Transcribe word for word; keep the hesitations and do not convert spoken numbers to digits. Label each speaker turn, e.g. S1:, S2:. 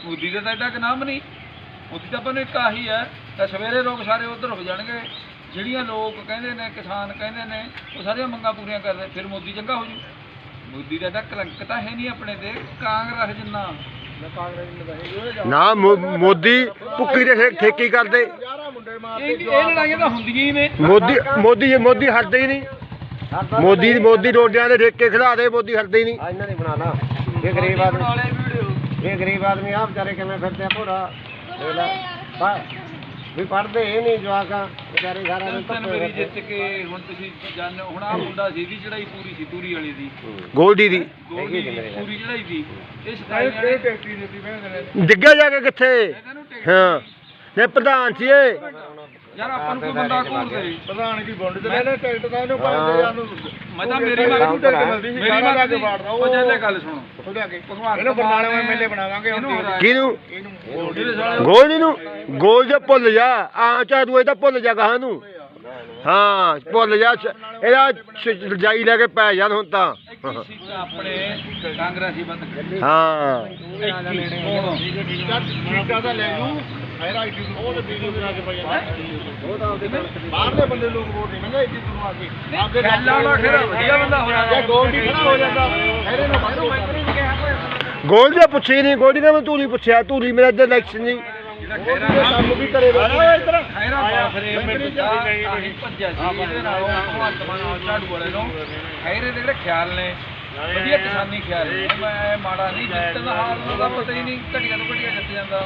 S1: ਮੋਦੀ ਦਾ ਤਾਂ ਐਡਾ ਕੁ ਨਾਮ ਨਹੀਂ। ਮੋਦੀ ਤਾਂ ਆਪਾਂ ਨੂੰ ਇੱਕ ਆਹੀ ਹੈ ਤਾਂ ਸਵੇਰੇ ਲੋਕ ਸਾਰੇ ਉੱਧਰ ਹੋ ਜਾਣਗੇ, ਜਿਹੜੀਆਂ ਲੋਕ ਕਹਿੰਦੇ ਨੇ ਕਿਸਾਨ ਕਹਿੰਦੇ ਨੇ ਉਹ ਸਾਰੀਆਂ ਮੰਗਾਂ ਪੂਰੀਆਂ ਕਰਦੇ, ਫਿਰ ਮੋਦੀ ਚੰਗਾ ਹੋ ਜੂ। ਮੋਦੀ ਦਾ ਤਾਂ ਕਲੰਕ ਤਾਂ ਹੈ ਨਹੀਂ ਆਪਣੇ ਤੇ ਕਾਂਗਰਸ ਜਿੰਨਾ।
S2: ਨਾ ਮੋਦੀ ਭੁੱਕੀ ਦੇ ਠੇਕੀ ਕਰਦੇ।
S1: ਇਹ ਲੜਾਈਆਂ ਤਾਂ ਹੁੰਦੀਆਂ ਹੀ ਨੇ।
S2: ਮੋਦੀ ਮੋਦੀ ਮੋਦੀ ਹਟਦੇ ਹੀ ਨਹੀਂ। ਮੋਦੀ ਮੋਦੀ ਰੋਡਿਆਂ ਦੇ ਠੇਕੇ ਖਿਲਾ ਦੇ, ਮੋਦੀ ਹਟਦੇ ਹੀ ਨਹੀਂ।
S3: ਇਹਨਾਂ ਨੇ ਬਣਾ ਲਾ ਇਹ ਗਰੀਬ ਆਦਮੀ, ਇਹ ਗਰੀਬ ਆਦਮੀ ਆ ਵਿਚਾਰੇ ਕਿਵੇਂ ਫਿਰਦੇ ਆ ਭੋਰਾ ਵੀ ਪੜ੍ਹਦੇ ਇਹ ਨਹੀਂ ਜਵਾਕਾਂ ਵਿਚਾਰੇ ਸਾਰਾ ਦਿਨ
S1: ਤਿੰਨ ਵਾਰੀ ਜਿੱਤ ਕੇ ਹੁਣ ਤੁਸੀਂ ਜਾਣ ਹੁਣ ਆ ਮੁੰਡਾ ਸੀ ਦੀ ਚੜਾਈ ਪੂਰੀ ਸੀ ਤੂਰੀ ਵਾਲੀ ਦੀ,
S2: ਗੋਲਡੀ ਦੀ
S1: ਗੋਲਡੀ ਦੀ ਪੂਰੀ ਚੜਾਈ ਦੀ। ਇਹ ਸਤਾਈ ਵਾਲੇ ਟੈਕਟਰੀ ਦਿੱਤੀ ਭੈਣ
S2: ਡਿੱਗਿਆ ਜਾ ਕੇ ਕਿੱਥੇ। ਹਾਂ ਨੇ ਪ੍ਰਧਾਨ ਸੀ ਇਹ।
S1: ਯਾਰ ਆਪਾਂ ਨੂੰ ਕੋਈ ਬੰਦਾ ਕੋਲ ਦੇ
S3: ਪ੍ਰਧਾਨ ਕੀ ਬੁੰਡ ਤੇ ਲੈ ਲੈ ਟਿਕਟ ਤਾਂ ਇਹਨੂੰ ਪਾਉਂਦੇ ਯਾਰ ਨੂੰ।
S1: ਮੈਂ ਤਾਂ ਮੇਰੀ ਮੰਗ ਨੂੰ ਟਿਕਟ ਮਿਲਦੀ ਸੀ, ਮੇਰੀ ਮੰਗ ਦੀ ਉਹ ਜੱਲੇ ਗੱਲ ਸੁਣੋ
S3: ਉਹ ਜਾ ਕੇ ਇਹਨੂੰ ਬਰਨਾਲੇ ਵਿੱਚ ਮੇਲੇ ਬਣਾਵਾਂਗੇ ਹੁਣ।
S2: ਕਿਹਨੂੰ?
S3: ਇਹਨੂੰ
S2: ਗੋਲਡੀ ਨੂੰ। ਗੋਲ ਜੇ ਭੁੱਲ ਜਾ ਆ ਚਾ ਤੂੰ ਇਹ ਤਾਂ ਭੁੱਲ ਜਾ ਕਹਾਂ ਨੂੰ। ਹਾਂ ਭੁੱਲ ਜਾ ਇਹਦਾ ਰਜਾਈ ਲੈ ਕੇ ਪੈ ਜਾਣ ਹੁਣ ਤਾਂ।
S1: ਆਪਣੇ ਕਾਂਗਰਸੀ ਬੰਦ
S2: ਹਾਂ
S3: ਸੀਟਾਂ ਤਾਂ ਲੈ ਜੂ ਫੇਰ ਆਈਟੀ ਨੂੰ ਉਹ ਤੇ ਵੀਡੀਓ ਬਣਾ ਕੇ ਪਾਈ ਜਾਂਦਾ। ਬਾਹਰਲੇ ਬੰਦੇ ਲੋਕ ਵੋਟ ਨਹੀਂ ਮੰਗਦੇ ਇੱਥੇ ਤੋਂ ਆ ਕੇ ਆਪਦੇ
S1: ਖੈਲਾ ਵਾਲਾ ਖੇਰਾ ਵਧੀਆ ਬੰਦਾ ਹੋ ਜਾਂਦਾ।
S3: ਜੇ ਗੋਲਡੀ ਖੜਾ ਹੋ ਜਾਂਦਾ ਇਹਦੇ ਨੂੰ ਬਾਹਰੋਂ ਮੈਂਬਰ ਹੀ ਨਹੀਂ ਕਿਹਾ ਕੋਈ।
S2: ਗੋਲਡੀ ਦਾ ਪੁੱਛੀ ਨਹੀਂ। ਗੋਲਡੀ ਕਹਿੰਦਾ ਤੂੰ ਨਹੀਂ ਪੁੱਛਿਆ, ਤੂੰ ਨਹੀਂ ਮੇਰਾ ਇੱਧਰ ਇਲੈਕਸ਼ਨ ਨਹੀਂ।
S3: ਕੰਮ ਵੀ ਕਰੇ ਇਧਰ
S1: ਖੈਰਾ ਬਾਫਰੇ ਮਿੰਟ ਦਾ ਆਹੀ ਭੱਜਿਆ ਸੀ ਇਹਦੇ ਨਾਲ ਭਗਵੰਤ ਮਾਨ ਝਾੜੂ ਵਾਲੇ ਨੂੰ। ਖੈਰੇ ਦੇ ਜਿਹੜੇ ਖਿਆਲ ਨੇ ਵਧੀਆ ਕਿਸਾਨੀ ਖਿਆਲ ਨੇ, ਮੈਂ ਮਾੜਾ ਨਹੀਂ ਜਿੱਤਣ ਹਾਰਨ ਦਾ ਪਤਾ ਹੀ ਨਹੀਂ, ਘਟੀਆ ਤੋਂ ਘਟੀਆ ਜਿੱਤ ਜਾਂਦਾ।